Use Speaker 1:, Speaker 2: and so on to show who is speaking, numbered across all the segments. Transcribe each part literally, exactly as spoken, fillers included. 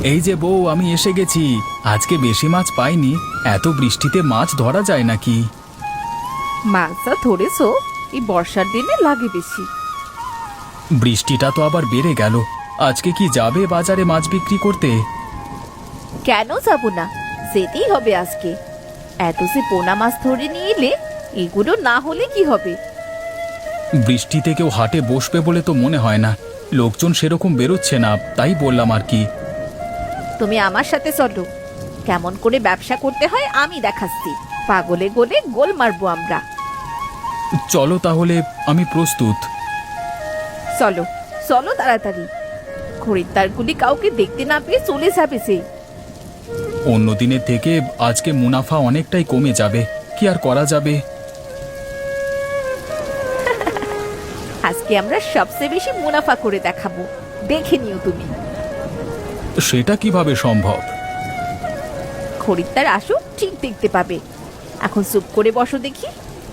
Speaker 1: এই যে বউ, আমি এসে গেছি। আজকে বেশি মাছ পাইনি। এত বৃষ্টিতে মাছ ধরা যায় নাকি?
Speaker 2: মাছটা ধরেছো, এই বর্ষার দিনে লাগে বেশি।
Speaker 1: বৃষ্টিটা তো আবার বেড়ে গেল। আজকে কি যাবে বাজারে মাছ বিক্রি করতে?
Speaker 2: কেন যাব না, যেতেই হবে আজকে। এত যে পোনা মাছ ধরে নিয়ে এলে, এগুলো না হলে কি হবে?
Speaker 1: বৃষ্টিতে কেউ হাটে বসবে বলে তো মনে হয় না। লোকজন সেরকম বেরোচ্ছে না, তাই বললাম আর কি।
Speaker 2: তুমি আমার সাথে চলো, কেমন করে ব্যবসা করতে হয় আমি দেখাচ্ছি। পাগলে গোলে গোল মারবো আমরা।
Speaker 1: চলো তাহলে, আমি প্রস্তুত।
Speaker 2: চলো চলো তাড়াতাড়ি, খরিদ্দারগুলি কাউকে দেখতে না পেয়ে চলে যাবে সে।
Speaker 1: অন্য দিনের থেকে আজকে মুনাফা অনেকটাই কমে যাবে, কি আর করা যাবে।
Speaker 2: আজকে আমরা সবচেয়ে বেশি মুনাফা করে দেখাবো, দেখে নিও তুমি।
Speaker 1: সেটা কিভাবে সম্ভব?
Speaker 2: খরিদ্দার আসুক, ঠিক দেখতে পাবে। এখন চুপ করে বসো দেখি।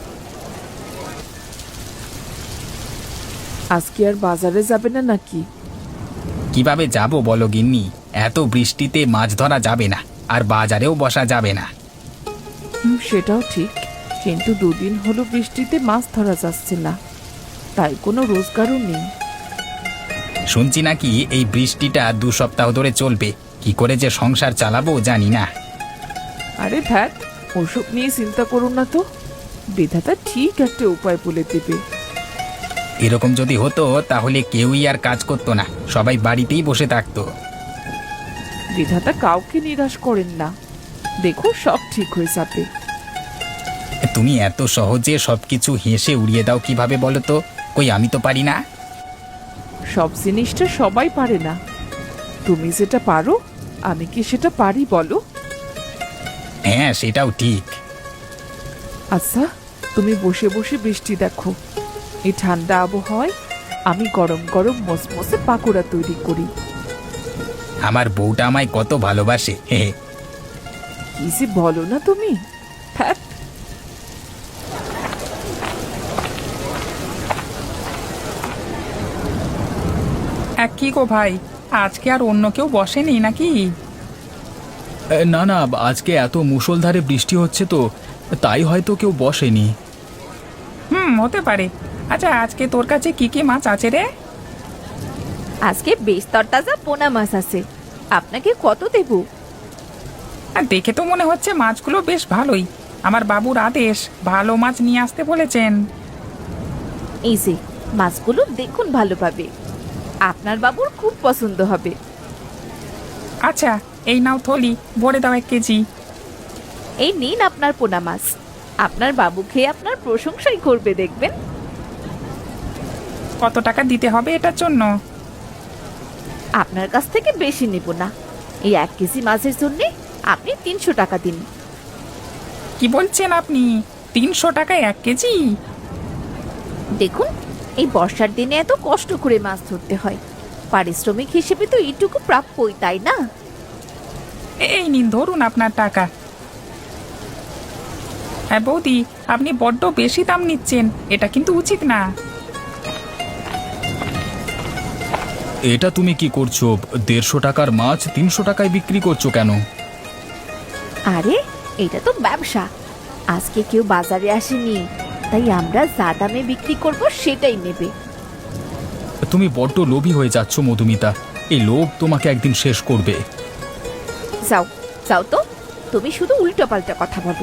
Speaker 3: আজকে আর বাজারে যাবে না নাকি?
Speaker 4: কিভাবে যাব বলো গিন্নি? এত বৃষ্টিতে মাছ ধরা যাবে না, আর বাজারেও বসা যাবে না।
Speaker 3: হুম, সেটাও ঠিক, কিন্তু দুদিন হলো বৃষ্টিতে মাছ ধরা যাচ্ছে না, তাই কোনো রোজগারও নেই।
Speaker 4: শুনছি নাকি এই বৃষ্টিটা দু সপ্তাহ ধরে চলবে। কি করে যে সংসার চালাবো জানি না।
Speaker 3: আরে ধ্যাত, ওসব নিয়ে চিন্তা করুন না তো, বিধাতা ঠিক একটা উপায় বলে দেবে।
Speaker 4: এরকম যদি হতো তাহলে কেউই আর কাজ করতো না, সবাই বাড়িতেই বসে থাকতো।
Speaker 3: বিধাতা কাউকে নিরাশ করেন না, দেখো সব ঠিক হয়ে যাবে।
Speaker 4: তুমি এত সহজে সবকিছু হেসে উড়িয়ে দাও কিভাবে বলো তো? কই আমি তো পারি না।
Speaker 3: সব জিনিসটা সবাই পারে না, তুমি যেটা পারো আমি কি সেটা পারি বলো?
Speaker 4: হ্যাঁ, সেটাও ঠিক।
Speaker 3: আচ্ছা, তুমি বসে বসে বৃষ্টি দেখো, এই ঠান্ডা আবহাওয়ায় আমি গরম গরম মসমসে পাকোড়া তৈরি করি।
Speaker 4: আমার বউটা আমায় কত ভালোবাসে। হে হে।
Speaker 3: কি যে বলো না তুমি, ধ্যাৎ।
Speaker 5: কি গো ভাই, আজকে আর অন্য কেউ বসেনি নাকি?
Speaker 1: এ, না না, আজকে এত মুষলধারে বৃষ্টি হচ্ছে তো, তাই হয়তো কেউ বসেনি।
Speaker 5: হুম, হতে পারে। আচ্ছা, আজকে তোর কাছে কি কি মাছ আছে রে?
Speaker 2: আজকে বেশ তরতাজা পোনা মাছ আছে, আপনাকে কত দেব?
Speaker 5: আর দেখে তো মনে হচ্ছে মাছগুলো বেশ ভালোই। আমার বাবুর আদেশ, ভালো মাছ নিয়ে আসতে বলেছেন।
Speaker 2: এই যে মাছগুলো দেখুন ভালোভাবে, আপনার বাবুর খুব পছন্দ হবে।
Speaker 5: আচ্ছা, এই নাও থলি, ভরে দাও এক কেজি।
Speaker 2: এই নিন আপনার পোনা মাছ, আপনার বাবু খেয়ে আপনার প্রশংসাই করবে দেখবেন।
Speaker 5: কত টাকা দিতে হবে এটার জন্য?
Speaker 2: আপনার কাছ থেকে বেশি নেব না, এই এক কেজি মাছের জন্য আপনি তিনশো টাকা দিন।
Speaker 5: কি বলছেন আপনি? তিনশো টাকায় এক কেজি?
Speaker 2: দেখুন, এই বর্ষার দিনে এত কষ্ট করে মাছ ধরতে হয়, পারিশ্রমিক হিসেবে তো এইটুকু প্রাপ্যই, তাই না?
Speaker 5: এই নিন, ধরুন আপনার টাকা। হ্যাঁ বৌদি, আপনি বড্ড বেশি দাম নিচ্ছেন, এটা কিন্তু উচিত না।
Speaker 1: এটা তুমি কি করছো? দেড়শো টাকার মাছ তিনশো টাকায় বিক্রি করছো কেন?
Speaker 2: আরে এটা তো ব্যবসা, আজকে কেউ বাজারে আসেনি, তাই আমরা যা দামে বিক্রি করব সেটাই নেবে।
Speaker 1: তুমি বড্ড লোভী হয়ে যাচ্ছ মধুমিতা, এই লোভ তোমাকে একদিন শেষ করবে।
Speaker 2: যাও যাও তো, তুমি শুধু উল্টো পাল্টা কথা বলো।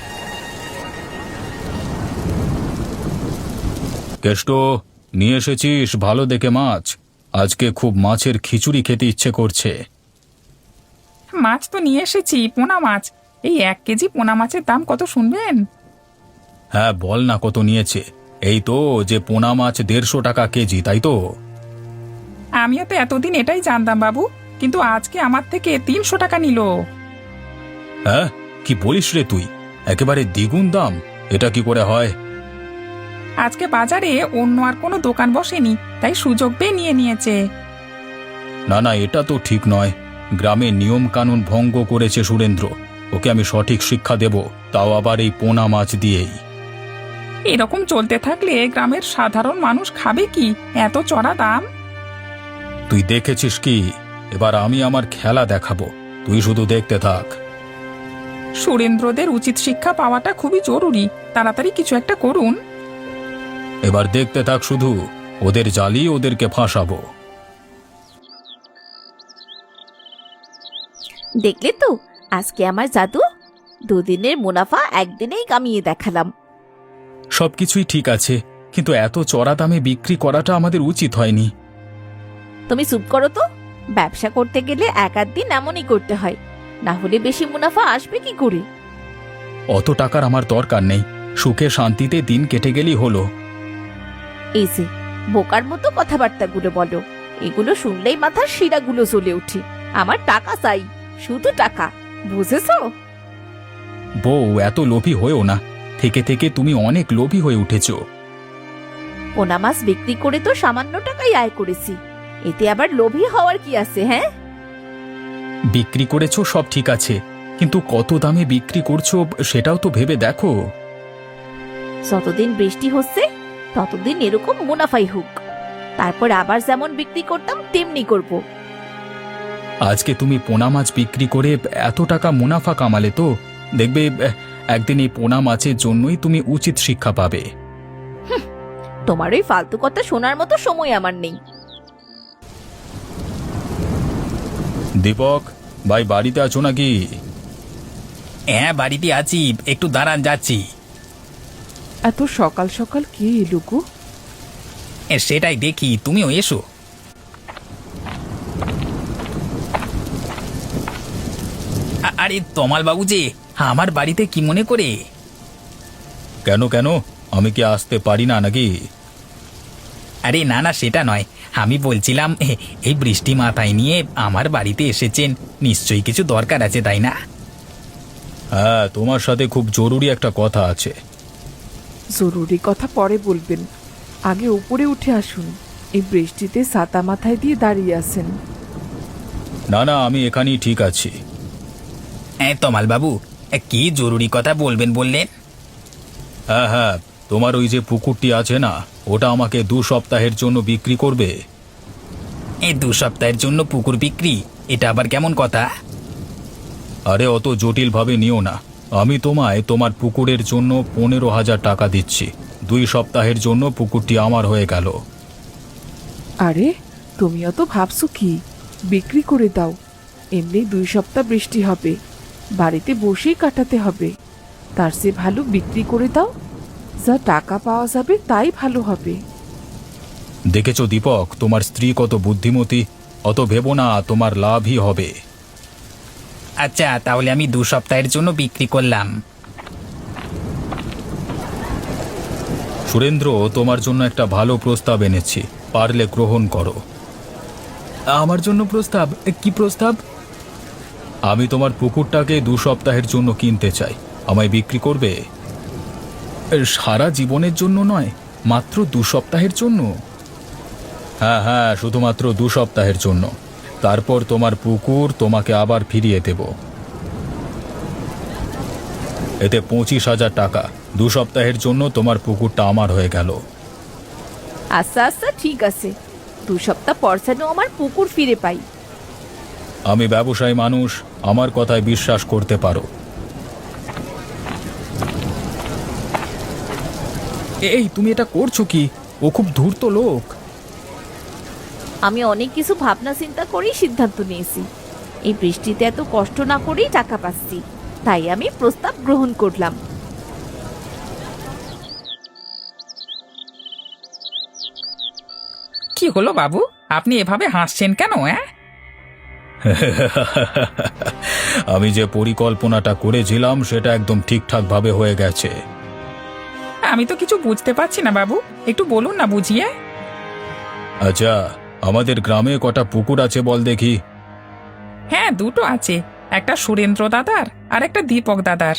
Speaker 1: কেষ্ট, নিয়ে এসেছিস ভালো দেখে মাছ? আজকে খুব মাছের খিচুড়ি খেতে ইচ্ছে করছে।
Speaker 5: মাছ তো নিয়ে এসেছি, পোনা মাছ। এই এক কেজি পোনা মাছের দাম কত শুনবেন?
Speaker 1: হ্যাঁ বল না, কত নিয়েছে? এই তো যে পোনা মাছ দেড়শো টাকা কেজি, তাই তো?
Speaker 5: আমিও তো এতদিন এটাই জানতাম বাবু, কিন্তু আজকে আমার থেকে তিনশো টাকা নিল।
Speaker 1: হ্যাঁ, কি বলিস রে তুই? একেবারে দ্বিগুণ দাম, এটা কি করে হয়?
Speaker 5: আজকে বাজারে অন্য আর কোনো দোকান বসেনি, তাই সুযোগ পেয়ে নিয়ে নিয়েছে।
Speaker 1: না না, এটা তো ঠিক নয়। গ্রামের নিয়ম কানুন ভঙ্গ করেছে সুরেন্দ্র, ওকে আমি সঠিক শিক্ষা দেব, তাও আবার এই পোনা মাছ দিয়েই।
Speaker 5: এরকম চলতে থাকলে গ্রামের সাধারণ মানুষ খাবে কি এত চড়া দাম?
Speaker 1: তুই দেখেছিস কি এবার আমি আমার খেলা দেখাবো, তুই শুধু দেখতে থাক।
Speaker 5: সুরেন্দ্রদের উচিত শিক্ষা পাওয়াটা খুবই জরুরি, তাড়াতাড়ি কিছু একটা করুন।
Speaker 1: এবার দেখতে থাক শুধু, ওদের জ্বালিয়ে ওদেরকে ফাঁসাবো।
Speaker 2: দেখলে তো আজকে আমার জাদু, দুদিনের মুনাফা একদিনেই কামিয়ে দেখালাম।
Speaker 1: সবকিছুই ঠিক আছে, কিন্তু এত চড়া দামে বিক্রি করাটা আমাদের উচিত হয়নি।
Speaker 2: তুমি চুপ করো তো, ব্যবসা করতে গেলে এক আধ দিন এমনই করতে হয়, না হলে বেশি মুনাফা আসবে কি করে?
Speaker 1: অত টাকার আমার দরকার নেই, সুখে শান্তিতে দিন কেটে গেলেই হলো।
Speaker 2: এই যে বোকার মতো কথাবার্তাগুলো বলো, এগুলো শুনলেই মাথার শিরাগুলো জ্বলে ওঠে। আমার টাকা চাই, শুধু টাকা, বুঝেছো?
Speaker 1: বউ, এত লোভী হয়েও না, থেকে থেকে তুমি অনেক লোভী হয়ে উঠেছো।
Speaker 2: পোনা মাছ বিক্রি করে তো সামান্য টাকাই আয় করেছি, এতে আবার লোভী হওয়ার কি আছে? হ্যাঁ,
Speaker 1: বিক্রি করেছো সব ঠিক আছে, কিন্তু কত দামে বিক্রি করছো সেটাও তো ভেবে দেখো।
Speaker 2: যতদিন বৃষ্টি হচ্ছে ততদিন এরকম মুনাফাই হোক, তারপর আবার যেমন বিক্রি করতাম তেমনি করব।
Speaker 1: আজকে তুমি পোনা মাছ বিক্রি করে এত টাকা মুনাফা কামালে তো দেখবে একদিন এই পোনা মাছের জন্যই তুমি উচিত শিক্ষা পাবে।
Speaker 2: তোমার ওই ফালতু কথা শোনার মতো সময় আমার নেই।
Speaker 1: দীপক ভাই, বাড়িতে আছো নাকি?
Speaker 4: হ্যাঁ, বাড়িতে আছি, একটু দাঁড়ান, যাচ্ছি।
Speaker 3: এত সকাল সকাল কে এলো গো?
Speaker 4: এ, সেটাই দেখি, তুমিও এসো। আ- আরে তমাল বাবু যে, আমার বাড়িতে কি মনে করে?
Speaker 1: কেন কেন, আমি কি আসতে পারি না নাকি?
Speaker 4: আরে না না, সেটা নয়, আমি বলছিলাম এ, এই বৃষ্টি মাথায় নিয়ে আমার বাড়িতে এসেছেন, নিশ্চয়ই কিছু দরকার আছে, তাই না?
Speaker 1: হ্যাঁ, তোমার সাথে খুব জরুরি একটা কথা আছে।
Speaker 3: জরুরি কথা পরে বলবেন, আগে উপরে উঠে আসুন। এই বৃষ্টিতে ছাতা মাথায় দিয়ে দাঁড়িয়ে আছেন।
Speaker 1: না না, আমি এখানেই ঠিক আছি।
Speaker 4: হ্যাঁ তমাল বাবু, এ, কি জরুরি কথা বলবেন বললেন?
Speaker 1: হ্যাঁ হ্যাঁ, তোমার ওই যে পুকুরটি আছে না, ওটা আমাকে দু সপ্তাহের জন্য বিক্রি করবে।
Speaker 4: এই দু সপ্তাহের জন্য পুকুর বিক্রি, এটা আবার কেমন কথা?
Speaker 1: আরে অত জটিল ভাবে নিও না, আমি তোমায় তোমার পুকুরের জন্য পনেরো হাজার টাকা দিচ্ছি। দুই সপ্তাহের জন্য পুকুরটি আমার হয়ে গেল।
Speaker 3: আরে তুমিও তো ভাবছো কি, বিক্রি করে দাও। এমনি দুই সপ্তাহ বৃষ্টি হবে, বাড়িতে বসেই কাটাতে হবে। তার চেয়ে ভালো বিক্রি করে দাও, যা টাকা পাওয়া যাবে তাই ভালো হবে।
Speaker 1: দেখেছো দীপক, তোমার স্ত্রী কত বুদ্ধিমতী, অত ভেবো না, তোমার লাভই হবে।
Speaker 4: আচ্ছা, তাহলে আমি দু সপ্তাহের জন্য বিক্রি করলাম।
Speaker 1: সুরেন্দ্র, তোমার জন্য একটা ভালো প্রস্তাব এনেছি, পারলে গ্রহণ করো। আমার জন্য প্রস্তাব? কি প্রস্তাব? আমি তোমার পুকুরটাকে দু সপ্তাহের জন্য কিনতে চাই, আমায় বিক্রি করবে? সারা জীবনের জন্য নয়, মাত্র দু সপ্তাহের জন্য। হ্যাঁ হ্যাঁ, শুধুমাত্র দু সপ্তাহের জন্য, তারপর তোমার পুকুর তোমাকে আবার ফিরিয়ে দেব। এতে পঁচিশ হাজার টাকা, দু সপ্তাহের জন্য তোমার পুকুরটা আমার হয়ে গেল।
Speaker 2: আচ্ছা আচ্ছা, ঠিক আছে, দু সপ্তাহ পর যেন আমার পুকুর ফিরে পাই।
Speaker 1: আমি ব্যবসায়ী মানুষ, আমার কথায় বিশ্বাস করতে পারো। এই তুমি এটা করছো কি? ও খুব ধূর্ত লোক।
Speaker 2: আমি অনেক কিছু ভাবনা চিন্তা করেই সিদ্ধান্ত নিয়েছি, এই বৃষ্টিতে এত কষ্ট না করেই টাকা পাচ্ছি, তাই আমি প্রস্তাব গ্রহণ করলাম।
Speaker 5: কি হলো বাবু, আপনি এভাবে হাসছেন কেন? হ্যাঁ,
Speaker 1: আমি যে পরিকল্পনাটা করেছিলাম সেটা একদম ঠিকঠাক ভাবে হয়ে গেছে।
Speaker 5: আমি তো কিছু বুঝতে পারছি না বাবু, একটু বলুন না বুঝিয়ে।
Speaker 1: আচ্ছা, আমাদের গ্রামে কটা পুকুর আছে বল দেখি?
Speaker 5: হ্যাঁ, দুটো আছে, একটা সুরেন্দ্র দাদার আর একটা দীপক দাদার।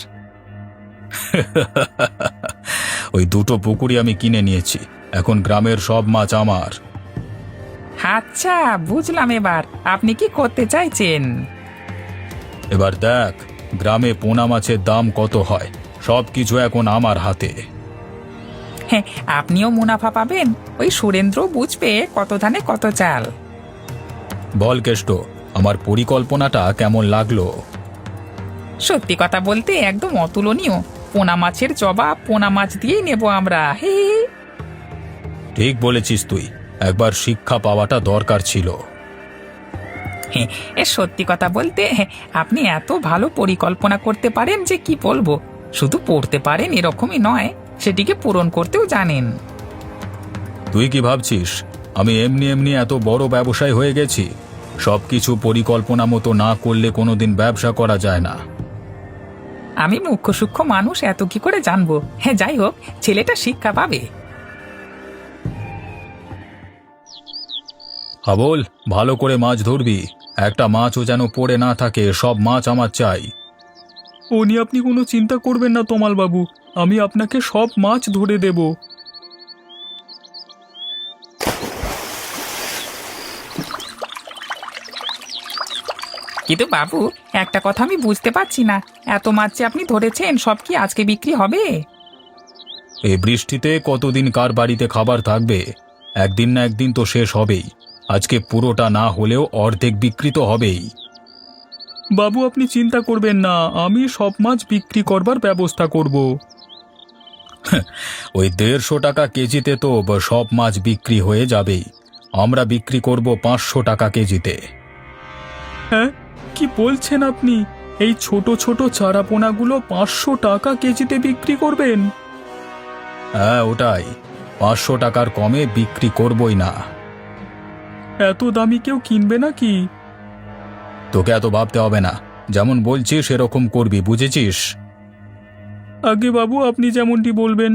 Speaker 1: ওই দুটো পুকুরই আমি কিনে নিয়েছি, এখন গ্রামের সব মাছ আমার।
Speaker 5: আচ্ছা, বুঝলাম এবার আপনি কি করতে চাইছেন।
Speaker 1: এবার দেখ গ্রামে পোনা মাছের দাম কত হয়, সব কিছু এখন আমার হাতে।
Speaker 5: হ্যাঁ, আপনিও মুনাফা পাবেন, ওই সুরেন্দ্র বুঝবে কত ধানে কত চাল।
Speaker 1: বল কেষ্ট, আমার পরিকল্পনাটা কেমন লাগলো?
Speaker 5: সত্যি কথা বলতে একদম অতুলনীয়। পোনা মাছের জবাব পোনা মাছ দিয়েই নেব আমরা। হে হে।
Speaker 1: ঠিক বলেছিস তুই, একবার শিক্ষা পাওয়াটা দরকার ছিল।
Speaker 5: হ্যাঁ, এ সত্যি কথা বলতে হ্যাঁ, আপনি এত ভালো পরিকল্পনা করতে পারেন যে কি বলবো। শুধু পড়তে পারেন এরকমই নয়, সেটিকে পূরণ করতেও জানেন।
Speaker 1: তুই কি ভাবছিস আমি এমনি এমনি এত বড় ব্যবসায়ী হয়ে গেছি? সবকিছু পরিকল্পনা মতো না করলে কোনোদিন ব্যবসা করা যায় না।
Speaker 5: আমি মুখ্য সূক্ষ্ম মানুষ, এত কি করে জানবো? হ্যাঁ, যাই হোক, ছেলেটা শিক্ষা পাবে।
Speaker 1: হাবল, ভালো করে মাছ ধরবি, একটা মাছও যেন পড়ে না থাকে। সব মাছ আমার চাই। ও নিয়ে আপনি কোনো চিন্তা করবেন না তমাল বাবু, আমি আপনাকে সব মাছ ধরে দেব।
Speaker 5: কিন্তু বাবু, একটা কথা আমি বুঝতে পারছি না, এত মাছ যে আপনি ধরেছেন সব কি আজকে বিক্রি হবে?
Speaker 1: এই বৃষ্টিতে কতদিন কার বাড়িতে খাবার থাকবে? একদিন না একদিন তো শেষ হবেই। আজকে পুরোটা না হলেও অর্ধেক বিক্রি তো হবেই। বাবু আপনি চিন্তা করবেন না, আমি সব মাছ বিক্রি করবার ব্যবস্থা করব। ওই দেড়শো টাকা কেজিতে তো সব মাছ বিক্রি হয়ে যাবেই। আমরা বিক্রি করব পাঁচশো টাকা কেজিতে। হ্যাঁ, কি বলছেন আপনি? এই ছোট ছোট চারাপোনাগুলো পাঁচশো টাকা কেজিতে বিক্রি করবেন? হ্যাঁ, ওটাই। পাঁচশো টাকার কমে বিক্রি করবই না। এত দামি কেউ কিনবে নাকি? তোকে এত ভাবতে হবে না, যেমন বলছিস সেরকম করবি, বুঝেছিস? আগে বাবু, আপনি যেমনটি বলবেন।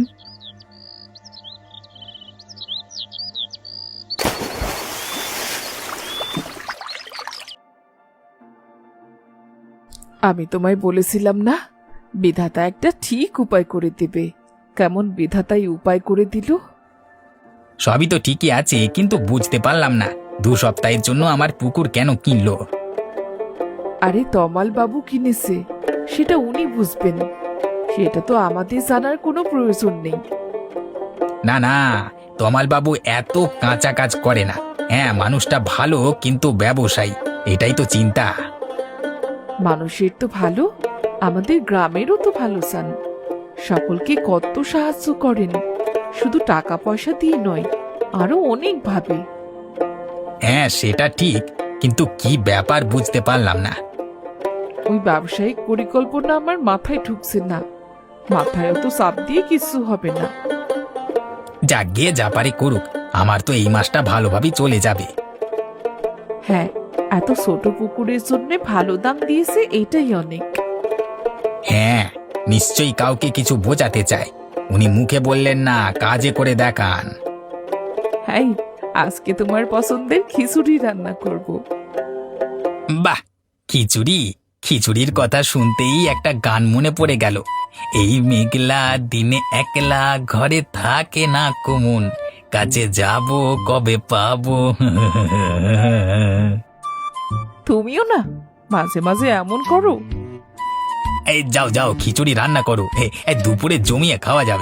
Speaker 3: আমি তোমায় বলেছিলাম না, বিধাতা একটা ঠিক উপায় করে দেবে। কেমন বিধাতাই উপায় করে দিল।
Speaker 4: সবই তো ঠিকই আছে, কিন্তু বুঝতে পারলাম না দু সপ্তাহের জন্য আমার পুকুর কেন কিনলো।
Speaker 3: আরে তমাল বাবু কিনেছে, সেটা উনি বুঝবেন। সেটা তো আমাদের জানার কোনো প্রয়োজন নেই।
Speaker 4: না না, তমাল বাবু এত কাঁচা কাজ করে না। হ্যাঁ, মানুষটা ভালো, কিন্তু ব্যবসায়ী, এটাই তো চিন্তা।
Speaker 3: মানুষের তো ভালো, আমাদের গ্রামেরও তো ভালো চান। সকলকে কত সাহায্য করেন, শুধু টাকা পয়সা দিয়ে নয়, আরো অনেক ভাবে।
Speaker 4: হ্যাঁ, সেটা ঠিক, কিন্তু কি ব্যাপার বুঝতে পারলাম না।
Speaker 3: ওই ব্যবসায়িক পরিকল্পনা আমার মাথায় ঢুকছে না। মাথায় তো চাপ দিয়ে কিছু হবে না।
Speaker 4: যাক গিয়ে যা পারে করুক, আমার তো এই মাসটা ভালোভাবেই চলে যাবে।
Speaker 3: হ্যাঁ, এত ছোট পুকুরের জন্য ভালো দাম দিয়েছে, এটাই অনেক।
Speaker 4: হ্যাঁ, নিশ্চয়ই কাউকে কিছু বোঝাতে চায়। উনি মুখে বললেন না, কাজে করে দেখান।
Speaker 3: হ্যাঁ, আজকে তোমার পছন্দের খিচুড়ি রান্না করব।
Speaker 4: বাহ, খিচুড়ি! খিচুড়ির কথা শুনতেই একটা গান মনে পড়ে গেল। এই মেঘলা দিনে একলা ঘরে থাকে না কুমুন, কাছে যাব কবে পাবো।
Speaker 3: তুমিও না মাঝে মাঝে এমন করো।
Speaker 4: এই যাও যাও, খিচুড়ি রান্না করো, এ- এ দুপুরে জমিয়ে খাওয়া যাবে।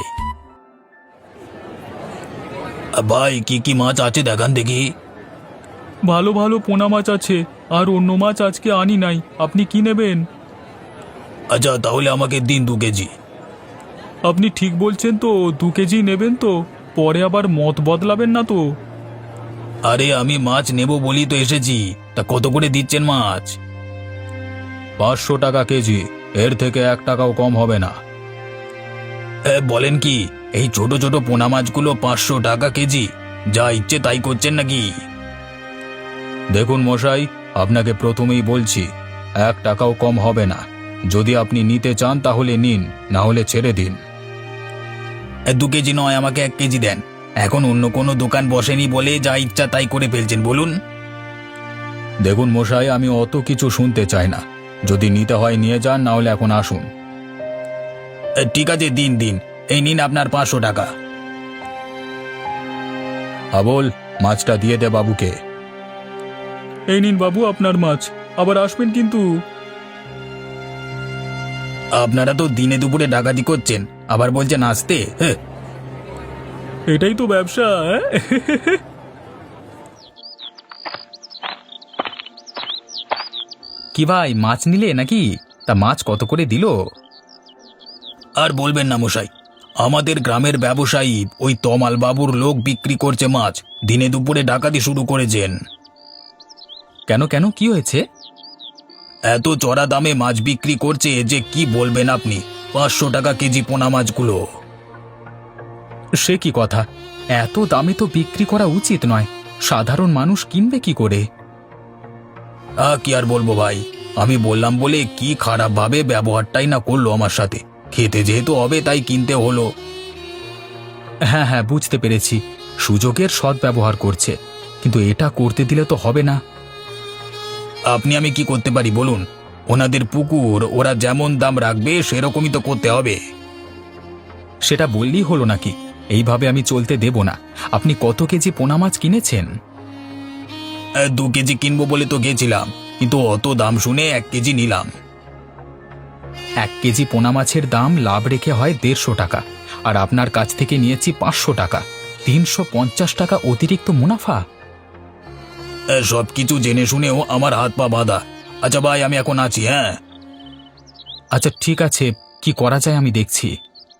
Speaker 4: ভাই, কি কি মাছ আছে দেখান দেখি।
Speaker 1: ভালো ভালো পোনা মাছ আছে, আর অন্য মাছ আজকে আনি নাই। আপনি কি নেবেন?
Speaker 4: আচ্ছা, তাহলে আমাকে দিন দু কেজি।
Speaker 1: আপনি ঠিক বলছেন তো? দু কেজি নেবেন তো? পরে আবার মত বদলাবেন না তো?
Speaker 4: আরে, আমি মাছ নেব বলি তো এসেছি। তা কত করে দিচ্ছেন মাছ?
Speaker 1: পাঁচশো টাকা কেজি, এর থেকে এক টাকাও কম হবে না।
Speaker 4: এ, বলেন কি, এই ছোট ছোট পোনা মাছগুলো পাঁচশো টাকা কেজি? যা ইচ্ছে তাই করছেন নাকি?
Speaker 1: দেখুন মশাই, আপনাকে প্রথমেই বলছি, এক টাকাও কম হবে না। যদি আপনি নিতে চান তাহলে নিন, না হলে ছেড়ে দিন।
Speaker 4: এ, দু কেজি নয়, আমাকে এক কেজি দেন। এখন অন্য কোনো দোকান বসেনি বলে যা ইচ্ছা তাই করে ফেলছেন, বলুন।
Speaker 1: দেখুন মশাই, আমি অত কিছু শুনতে চাই না। যদি নিতে হয় নিয়ে যান, না হলে এখন আসুন।
Speaker 4: এ, ঠিক আছে, দিন দিন, এই নিন আপনার পাঁচশো টাকা।
Speaker 1: আবল, মাছটা দিয়ে দে বাবুকে। এই নিন বাবু আপনার মাছ, আবার আসবেন কিন্তু।
Speaker 4: আপনারা তো দিনে দুপুরে ডাকাতি করছেন, আবার বলছেন আসতে। হ্যাঁ,
Speaker 1: এটাই তো ব্যবসা। কি ভাই, মাছ নিলে নাকি? তা মাছ কত করে দিল?
Speaker 4: আর বলবেন না মশাই, আমাদের গ্রামের ব্যবসায়ী ওই তমাল বাবুর লোক বিক্রি করছে মাছ, দিনে দুপুরে ডাকাতি শুরু করেছেন।
Speaker 1: কেন কেন, কি হয়েছে?
Speaker 4: এত চড়া দামে মাছ বিক্রি করছে যে কি বলবেন আপনি। পাঁচশো টাকা কেজি পোনা মাছগুলো।
Speaker 1: সে কি কথা, এত দামে তো বিক্রি করা উচিত নয়। সাধারণ মানুষ কিনবে কি করে?
Speaker 4: আ কি আর বলবো ভাই, আমি বললাম বলে কি খারাপ ভাবে ব্যবহারটাই না করলো আমার সাথে। খেতে যেহেতু হবে তাই কিনতে হলো।
Speaker 1: হ্যাঁ হ্যাঁ, বুঝতে পেরেছি, সুযোগের সদ্ব্যবহার করছে, কিন্তু এটা করতে দিলে তো হবে না।
Speaker 4: আপনি আমি কি করতে পারি বলুন? ওনাদের পুকুর, ওরা যেমন দাম রাখবে সেরকমই তো করতে হবে।
Speaker 1: সেটা বললেই হলো নাকি? এইভাবে আমি চলতে দেব না। আপনি কত কেজি পোনা মাছ কিনেছেন?
Speaker 4: এ, দু কেজি কিনবো বলে তো গেছিলাম, কিন্তু অত দাম শুনে এক কেজি নিলাম।
Speaker 1: এক কেজি পোনা মাছের দাম লাভ রেখে হয় দেড়শো টাকা, আর আপনার কাছ থেকে নিয়েছি পাঁচশো টাকা। তিনশো পঞ্চাশ টাকা অতিরিক্ত মুনাফা।
Speaker 4: সব কিছু জেনে শুনেও আমার হাত পা বাঁধা। আচ্ছা ভাই, আমি এখন আছি। হ্যাঁ
Speaker 1: আচ্ছা ঠিক আছে, কি করা যায় আমি দেখছি।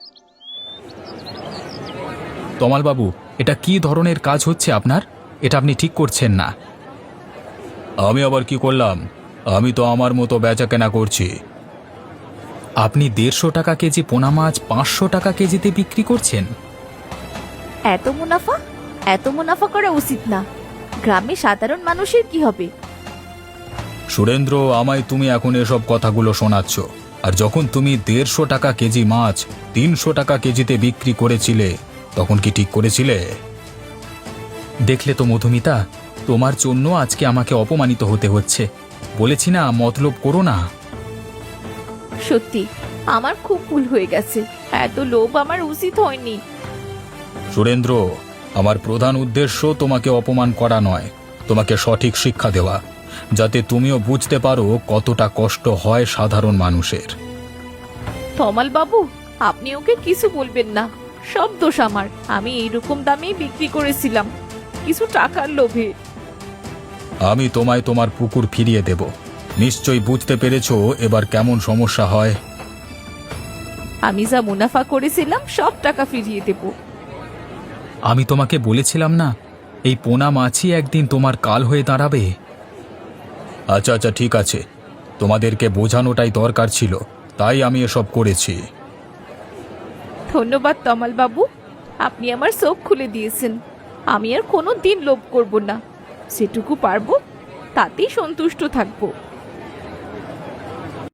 Speaker 1: তমালবাবু, এটা কি ধরনের কাজ হচ্ছে আপনার? এটা আপনি ঠিক করছেন না।
Speaker 4: আমি আবার কি করলাম? আমি তো আমার মতো বেচা কেনা করছি।
Speaker 1: আপনি দেড়শো টাকা কেজি পোনা মাছ পাঁচশো টাকা কেজিতে বিক্রি করছেন?
Speaker 2: এত মুনাফা, এত মুনাফা করা উচিত না। গ্রামে সাধারণ মানুষের কি হবে?
Speaker 4: সুরেন্দ্র, আমায় তুমি এখন এসব কথাগুলো শোনাচ্ছ, আর যখন তুমি দেড়শো টাকা কেজি মাছ তিনশো টাকা কেজিতে বিক্রি করেছিলে তখন কি ঠিক করেছিলে?
Speaker 1: দেখলে তো মধুমিতা, তোমার জন্য আজকে আমাকে অপমানিত হতে হচ্ছে। বলেছি না, মতলব করো না।
Speaker 2: সত্যি আমার খুব ভুল হয়ে গেছে। এত লোভ আমার উচিত হয়নি।
Speaker 4: সুরেন্দ্র, আমার প্রধান উদ্দেশ্য তোমাকে অপমান করা নয়, তোমাকে সঠিক শিক্ষা দেওয়া, যাতে তুমিও বুঝতে পারো কতটা কষ্ট হয় সাধারণ মানুষের।
Speaker 2: তমাল বাবু, আপনি ওকে কিছু বলবেন না। সব দোষ আমার। আমি এইরকম দামেই বিক্রি করেছিলাম, কিছু টাকার লোভে।
Speaker 4: আমি তোমায় তোমার পুকুর ফিরিয়ে দেব। নিশ্চয়ই বুঝতে পেরেছো এবার কেমন সমস্যা হয়।
Speaker 2: আমি যা মুনাফা করেছিলাম সব টাকা ফিরিয়ে দেব।
Speaker 1: আমি তোমাকে বলেছিলাম না, এই পোনা মাছই একদিন তোমার কাল হয়ে দাঁড়াবে।
Speaker 4: আচ্ছা আচ্ছা ঠিক আছে, তোমাদেরকে বোঝানোটাই দরকার ছিল, তাই আমি এসব করেছি।
Speaker 2: ধন্যবাদ তমাল বাবু, আপনি আমার চোখ খুলে দিয়েছেন। আমি আর কোনো দিন লোভ করব না। যেটুকু পারবো তাতেই সন্তুষ্ট থাকবো।